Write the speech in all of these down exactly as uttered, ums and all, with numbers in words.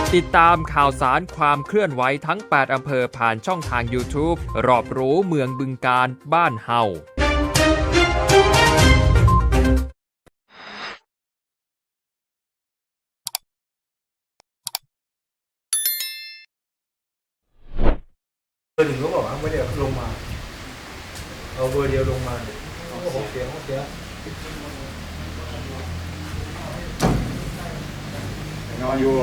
ติดตามข่าวสารความเคลื่อนไหวทั้งแปดอำเภอผ่านช่องทาง YouTube รอบรู้เมืองบึงกาฬบ้านเฮาเบอร์หนึ่งก็บอกว่าไม่ได้ลงมาเอาเบอร์เดียวลงมาโอ้โหเสียงเสียงนอนอยู่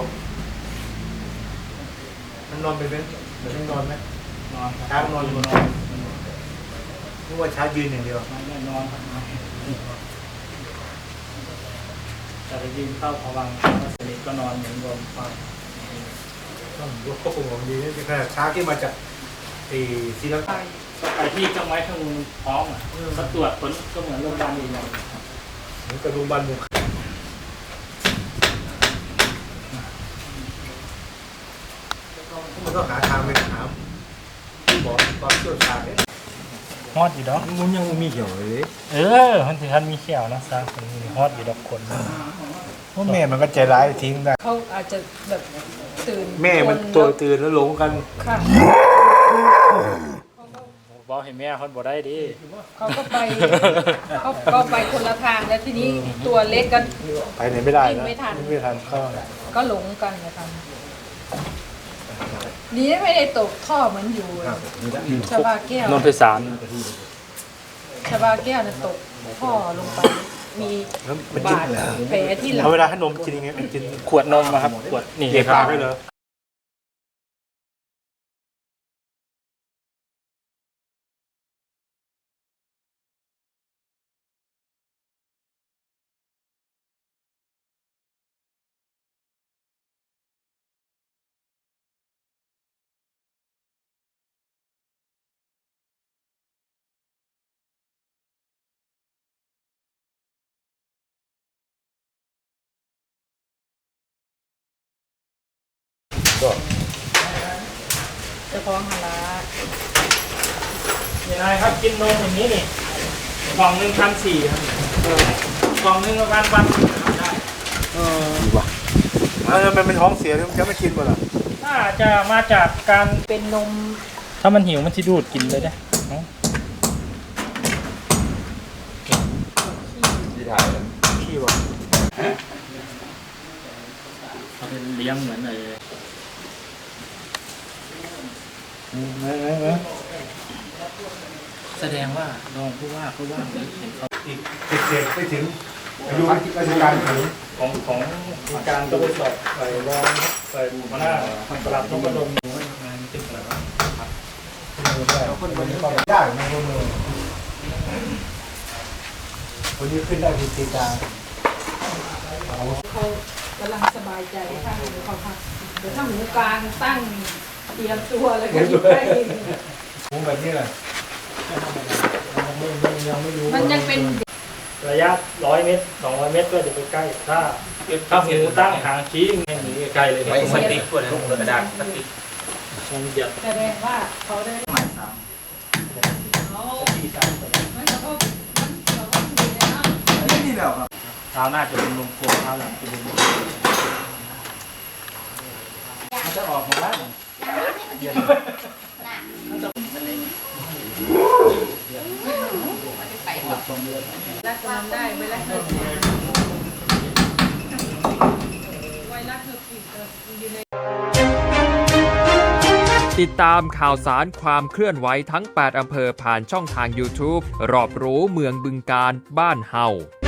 มันนอนเป็นเป็นเหมือนนอนไหมนอนช้างนอนอยู่นอนนึกว่าช้ายืนอย่างเดียวไม่นอนครับแต่ไปยืนเข้าพวังค์สนิทก็นอนเหมือนเดิมไปต้องยกข้อปรุงของดีนี่ขนาดช้าที่มาจากตีซีลังกาไปที่เครื่องไม้เครื่องมือพร้อมอ่ะมาตรวจผลก็เหมือนโรงพยาบาลอื่นเลยเหมือนกับโรงพยาบาลหมู่มันก็หาทางไปหาที่บอกตอนเชี่ยวชาญเนี่ยฮอดอยู่ดอกมันยังมีเหี่ยวเลยเออมันถึงท่านมีเขียวนะซะมันฮอดอยู่ดอกคนเพราะแม่มันก็ใจร้ายทิ้งได้เขาอาจจะแบบตื่นแม่มันตัวตื่นแล้วหลงกันค่ะบอกให้แม่เขาบอกได้ดิเขาก็ไปเขาก็ไปคนละทางแล้วทีนี้ตัวเล็กกันไปไหนไม่ได้นะไม่ทันไม่ทันก็ก็หลงกันนะครับนี้ไม่ได้ตกท่อเหมือนอยู่ชาบาแก้วนนทสารชาบาแก้วน่ะตกท่อลงไปมีบาดแผลที่หลังเอาเวลาให้นมกินยังไงกินขวดนมนะครับขวดนี่เก็บปากได้เลยก็จะฟ้องฮารายังไงครับกินนมอย่างนี้นี่กล่องหนึ่งพันสี่ครับกล่องหนึ่งประมาณวันได้เออดีว่ะแล้วมันเป็นท้องเสียจะไม่กินบ่ล่ะน่าจะมาจากการเป็นนมถ้ามันหิวมันจะดูดกินเลยได้ที่ถ่ายขี้ว่ะเขาเป็นเลี้ยงเหมือนเลยแสดงว่าลองผู้ว่าผู้ว่าเห็นเขาอีกเด็กๆไปถึงอายุราชการถึงของของการก็ไปสอบใส่รองใส่หัวหน้าประหลัดต้องมาลงงานติดอะไรวะคนคนนี้ก็ยากในคนเมืองคนนี้ขึ้นได้พิธีการเขากำลังสบายใจค่ะเขาพักเดี๋ยวถ้าหมูกลางตั้งเตรียมตัวแล้วก็ยิ่งได้หมูแบบนี้แหละมันยังเป็นระยะร้อยเมตรสองร้อยเมตรก็จะไปใกล้ถ้าถ้าหมูตั้งหางชี้ไม่หนีไกลเลยไม่สติ๊กกว่านั้นกระดาษสติ๊กมันเดียวแสดงว่าเขาได้หมายสามนี่แล้วครับเท้าหน้าจะเป็นลงโค้งเท้าหลังจะเป็นมันจะออกมาบ้างรักมันได้ไม่รักเธอไว้รักเธอผิดอยู่ในติดตามข่าวสารความเคลื่อนไหวทั้งแปดอำเภอผ่านช่องทาง YouTube รอบรู้เมืองบึงกาฬบ้านเฮา